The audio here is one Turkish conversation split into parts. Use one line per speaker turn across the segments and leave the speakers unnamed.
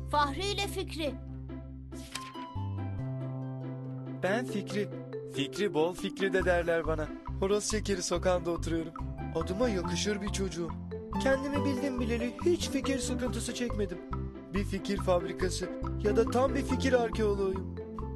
Fahri ile Fikri.
Ben Fikri. Fikri bol Fikri de derler bana. Horoz şekeri sokağında oturuyorum. Adıma yakışır bir çocuğum. Kendimi bildim bileli hiç fikir sıkıntısı çekmedim. Bir fikir fabrikası ya da tam bir fikir arkeoloğuyum.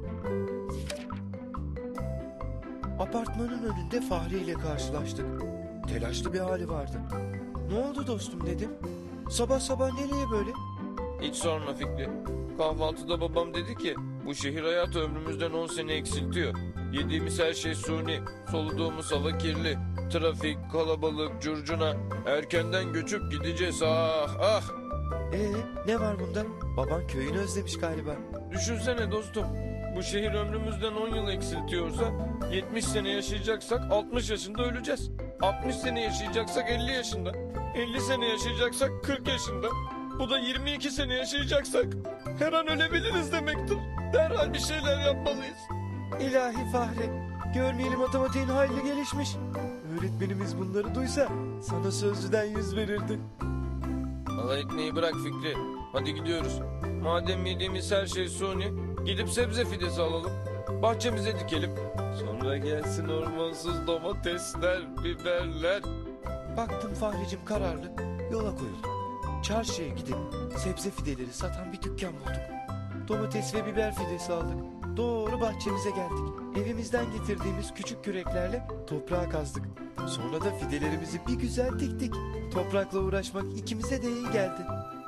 Apartmanın önünde Fahri ile karşılaştık. Telaşlı bir hali vardı. Ne oldu dostum dedim. Sabah sabah nereye böyle?
Hiç sorma Fikri. Kahvaltıda babam dedi ki bu şehir hayatı ömrümüzden 10 sene eksiltiyor. Yediğimiz her şey suni, soluduğumuz hava kirli. Trafik, kalabalık, curcuna. Erkenden göçüp gideceğiz ah ah.
Ne var bunda? Baban köyünü özlemiş galiba.
Düşünsene dostum. Bu şehir ömrümüzden 10 yıl eksiltiyorsa 70 sene yaşayacaksak 60 yaşında öleceğiz. 60 sene yaşayacaksak 50 yaşında. 50 sene yaşayacaksak 40 yaşında. Bu da 22 sene yaşayacaksak her an ölebiliriz demektir. Derhal bir şeyler yapmalıyız.
İlahi Fahri, görmeyeli matematiğin hayli gelişmiş. Öğretmenimiz bunları duysa sana sözlüden 100 verirdi.
Allah etmeyi bırak Fikri. Hadi gidiyoruz. Madem yediğimiz her şey suni, gidip sebze fidesi alalım. Bahçemize dikelim. Sonra gelsin ormansız domatesler, biberler.
Baktım Fahricim kararlı, yola koyulduk. Çarşıya gidip sebze fideleri satan bir dükkan bulduk. Domates ve biber fidesi aldık. Doğru bahçemize geldik. Evimizden getirdiğimiz küçük küreklerle toprağa kazdık. Sonra da fidelerimizi bir güzel diktik. Toprakla uğraşmak ikimize de iyi geldi.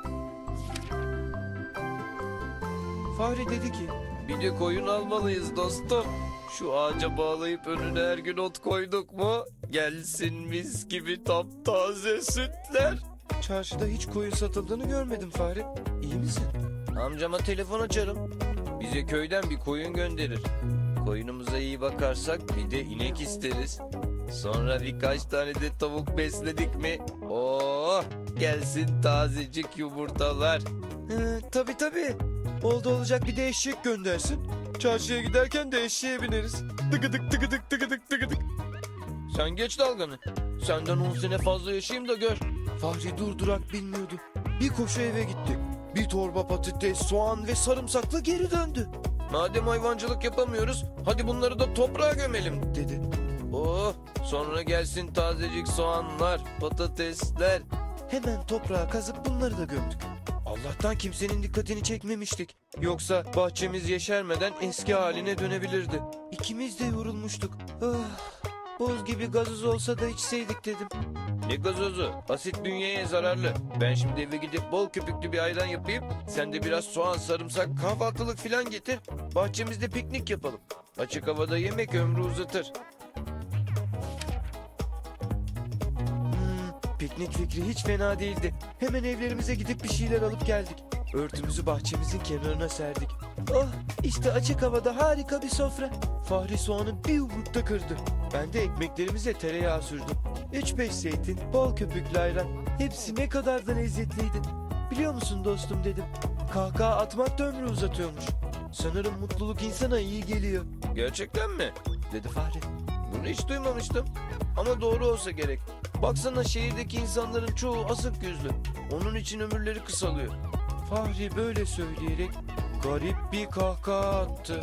Fahri dedi ki,
Bir de koyun almalıyız dostum. Şu ağaca bağlayıp önüne her gün ot koyduk mu? Gelsin mis gibi taptaze sütler.
çarşıda hiç koyun satıldığını görmedim Fahri. İyi misin?
Amcama telefon açarım. Bize köyden bir koyun gönderir. Koyunumuza iyi bakarsak bir de inek isteriz. Sonra birkaç tane de tavuk besledik mi? Oh, gelsin tazecik yumurtalar.
Tabii. Oldu olacak bir de eşek göndersin. Çarşıya giderken de eşeğe bineriz. Tıkıdık tıkıdık tıkıdık tıkıdık.
Sen geç dalganı. Senden 10 sene fazla yaşayayım da gör.
Fahri durdurak bilmiyordu. Bir koşu eve gitti. Bir torba patates, soğan ve sarımsakla geri döndü.
Madem hayvancılık yapamıyoruz, hadi bunları da toprağa gömelim.
Dedi.
Oh, sonra gelsin tazecik soğanlar, patatesler.
Hemen toprağa kazıp bunları da gömdük. Allah'tan kimsenin dikkatini çekmemiştik. Yoksa bahçemiz yeşermeden eski haline dönebilirdi. İkimiz de yorulmuştuk. Boz gibi gazoz olsa da içseydik dedim.
Ne gazozu? Asit bünyeye zararlı. Ben şimdi eve gidip bol köpüklü bir ayran yapayım. Sen de biraz soğan, sarımsak, kahvaltılık filan getir. Bahçemizde piknik yapalım. Açık havada yemek ömrü uzatır.
Piknik fikri hiç fena değildi. Hemen evlerimize gidip bir şeyler alıp geldik. Örtümüzü bahçemizin kenarına serdik. Oh, işte açık havada harika bir sofra. Fahri soğanı bir yumrukta kırdı. Ben de ekmeklerimize tereyağı sürdüm. 3-5 zeytin, bol köpüklü ayran. Hepsi ne kadar da lezzetliydi. Biliyor musun dostum dedim. Kahkaha atmak da ömrü uzatıyormuş. Sanırım mutluluk insana iyi geliyor,
Gerçekten mi?
dedi Fahri.
Bunu hiç duymamıştım. Ama doğru olsa gerek. Baksana şehirdeki insanların çoğu asık yüzlü. Onun için ömürleri kısalıyor.
Fahri böyle söyleyerek garip bir kahkaha attı.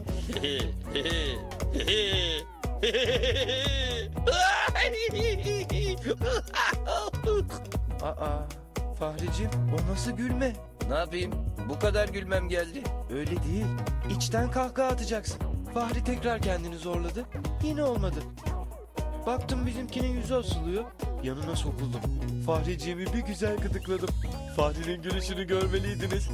Aa, Fahricim, o nasıl gülme?
Ne yapayım? Bu kadar gülmem geldi.
Öyle değil. İçten kahkaha atacaksın. Fahri tekrar kendini zorladı. Yine olmadı. Baktım bizimkinin yüzü asılıyor. Yanına sokuldum. Fahriciğimi bir güzel gıdıkladım. Fahri'nin gülüşünü görmeliydiniz.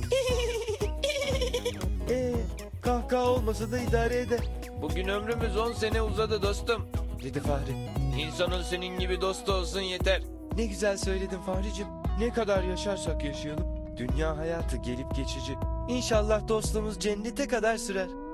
Kahkaha olmasa da idare eder,
Bugün ömrümüz 10 sene uzadı dostum.
dedi Fahri.
İnsanın senin gibi dostu olsun yeter.
Ne güzel söyledin Fahricim. Ne kadar yaşarsak yaşayalım. Dünya hayatı gelip geçici. İnşallah dostluğumuz cennete kadar sürer.